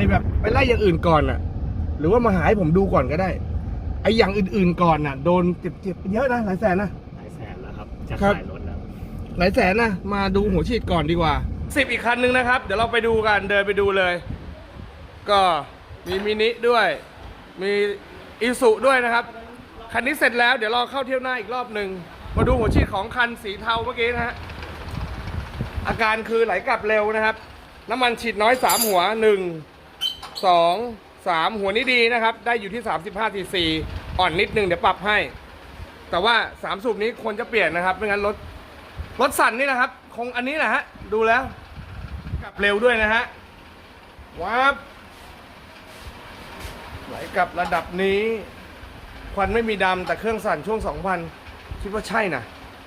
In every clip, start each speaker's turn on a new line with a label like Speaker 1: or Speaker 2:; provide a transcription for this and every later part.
Speaker 1: แบบไปไล่อย่างอื่นก่อนอ่ะหรือว่ามาหาให้ผมดูก่อนก็ได้ไออย่างอื่นๆก่อนน่ะโดนเจ็บเยอะนะหลายแสนนะ
Speaker 2: หลายแสนแล้วครับจะขายรถแล้ว
Speaker 1: หลายแสนนะมาดูหัวฉีดก่อนดีกว่า10อีกคันนึงนะครับเดี๋ยวเราไปดูกันเดินไปดูเลยก็มีมินิด้วยมีอิสุด้วยนะครับคันนี้เสร็จแล้วเดี๋ยวเราเข้าเที่ยวหน้าอีกรอบหนึ่งมาดูหัวฉีดของคันสีเทาเมื่อกี้นะฮะอาการคือไหลกลับเร็วนะครับน้ำมันฉีดน้อย3หัว1 2 3หัวนี้ดีนะครับได้อยู่ที่35 cc อ่อนนิดนึงเดี๋ยวปรับให้แต่ว่า3สูบนี้ควรจะเปลี่ยนนะครับไม่งั้นรถสั่นนี่นะครับคงอันนี้แหละฮะดูแล้วกลับเร็วด้วยนะฮะว้าบไหลกลับระดับนี้ควันไม่มีดำแต่เครื่องสั่นช่วง 2,000 คิดว่าใช่นะ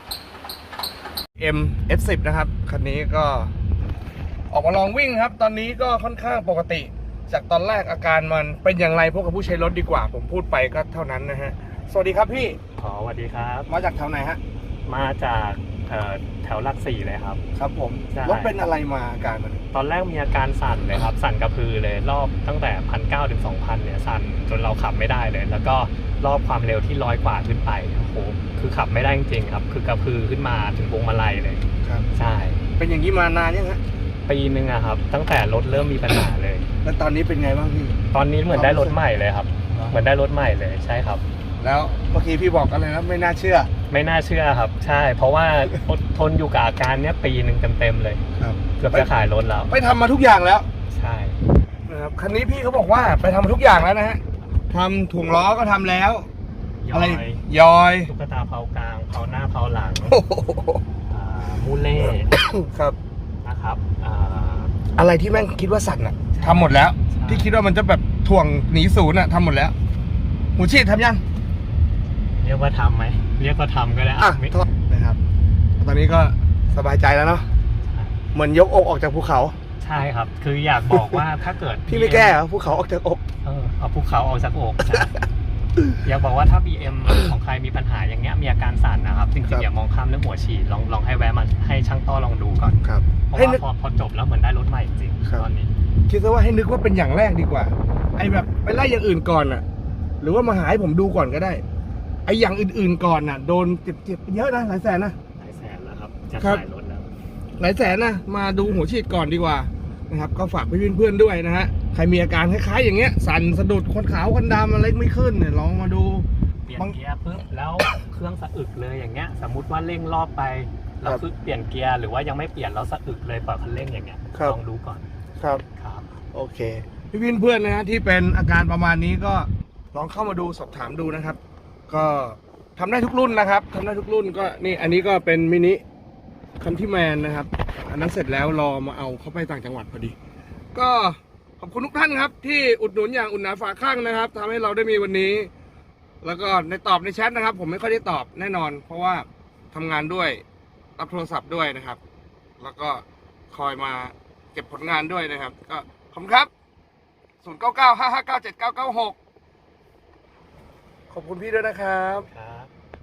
Speaker 1: S10 นะครับคันนี้ก็ออกมาลองวิ่งครับตอนนี้ก็ค่อนข้างปกติจากตอนแรกอาการมันเป็นอย่างไรพวกกับผู้ใช้รถดีกว่าผมพูดไปก็เท่านั้นนะฮะสวัสดีครับพี่
Speaker 2: สวัสดีครับ
Speaker 1: มาจากแถวไหนฮะ
Speaker 2: มาจากแถวหลัก4เลยครับ
Speaker 1: ครับผมรถเป็นอะไรมาอาการมัน
Speaker 2: ตอนแรกมีอาการสั่นเลยครับสั่นกระพือเลยรอบตั้งแต่1,900 ถึง 2,000เนี่ยสั่นจนเราขับไม่ได้เลยแล้วก็รอบความเร็วที่100 กว่าขึ้นไปโอ้โหคือขับไม่ได้จริงๆครับคือกระพือขึ้นมาถึงพวงมาลัยเลย
Speaker 1: ครับ
Speaker 2: ใช่
Speaker 1: เป็นอย่างนี้มานานยังฮะ
Speaker 2: ปีนึงอะครับตั้งแต่รถเริ่มมีปัญหาเลย
Speaker 1: แล้วตอนนี้เป็นไงบ้างพี่
Speaker 2: ตอนนี้เหมือนได้รถใหม่เลยครับเหมือนได้รถใหม่เลยใช่ครับ
Speaker 1: แล้วเมื่อกี้พี่บอกอะไรนะไม่น่าเชื่อ
Speaker 2: ครับใช่เพราะว่าทนอยู่กับอาการเนี้ยปีนึงเต็มเลย
Speaker 1: ครับ
Speaker 2: เกือบจะขายรถแล้ว
Speaker 1: ไปทำมาทุกอย่างแล้ว
Speaker 2: ใช่
Speaker 1: นะครับคันนี้พี่เขาบอกว่าไปทำมาทุกอย่างแล้วนะฮะทำถ่วงล้อก็ทำแล้วอะไรยอย
Speaker 2: ตุ๊กตาเผากลางเผาหน้าเผาหลังมูเล่
Speaker 1: ครับ
Speaker 2: นะครับ
Speaker 1: อะไรที่แม่งคิดว่าสั่นอะทำหมดแล้วที่คิดว่ามันจะแบบถ่วงหนีศูนย์อะทำหมดแล้วหูฉีดทำยัง
Speaker 2: เรียกว่าทำไหมเรียกว่าทำก็ได้
Speaker 1: นะครับตอนนี้ก็สบายใจแล้วเนาะเหมือนยกอกออกจากภูเขา
Speaker 2: ใช่ครับคืออยากบอกว่าถ้าเกิด
Speaker 1: พี่ไม่แก้เหรอภูเขาออกจากอก
Speaker 2: เอาภูเขาออกจากอกอยากบอกว่าถ้า BM ของใครมีปัญหาอย่างเงี้ยมีอาการสั่นนะครับจริงๆอย่ามองข้ามเรื่องหัวฉีดลองให้แวะมาให้ช่างต้อลองดูก่อน
Speaker 1: ครับ
Speaker 2: เพราะว่าพอจบแล้วเหมือนได้รถใหม่จริงตอนนี้
Speaker 1: คิดซะว่าให้นึกว่าเป็นอย่างแรกดีกว่าไอ้แบบไปไล่อย่างอื่นก่อนอ่ะหรือว่ามาหาให้ผมดูก่อนก็ได้ไอ้อย่างอื่นๆก่อนน่ะโดนเจ็บเยอะนะหลายแสนนะ
Speaker 2: หลายแสนแล้วครับจะขายรถแล้ว
Speaker 1: หลายแสนนะมาดูหัวฉีดก่อนดีกว่านะครับก็ฝากเพื่อนๆด้วยนะฮะใครมีอาการคล้ายๆอย่างเงี้ยสั่นสะดุดคนขาวคนดำอะไรไม่ขึ้นเนี่ยลองมาดู
Speaker 2: เปลี่ยนเกียร์ปุ๊บแล้วเครื่องสะอึกเลยอย่างเงี้ยสมมุติว่าเร่งรอบไปเราคือเปลี่ยนเกียร์หรือว่ายังไม่เปลี่ยนแล้วสะอึกเลยปล่อยคันเร่งอย่างเงี้ยลองดูก่อน
Speaker 1: ครับโอเคพี่เพื่อนๆนะฮะที่เป็นอาการประมาณนี้ก็ลองเข้ามาดูสอบถามดูนะครับก็ทำได้ทุกรุ่นนะครับทำได้ทุกรุ่นก็นี่อันนี้ก็เป็นมินิคันที่แมนนะครับอันนั้นเสร็จแล้วรอมาเอาเข้าไปต่างจังหวัดพอดีก็ขอบคุณทุกท่านครับที่อุดหนุนอย่างอุ่นหนาฝาข้างนะครับทำให้เราได้มีวันนี้แล้วก็ในแชทนะครับผมไม่ค่อยได้ตอบแน่นอนเพราะว่าทำงานด้วยรับโทรศัพท์ด้วยนะครับแล้วก็คอยมาเก็บผลงานด้วยนะครับก็ขอบคุณครับ0995597996ขอบคุณพี่ด้วยนะครับ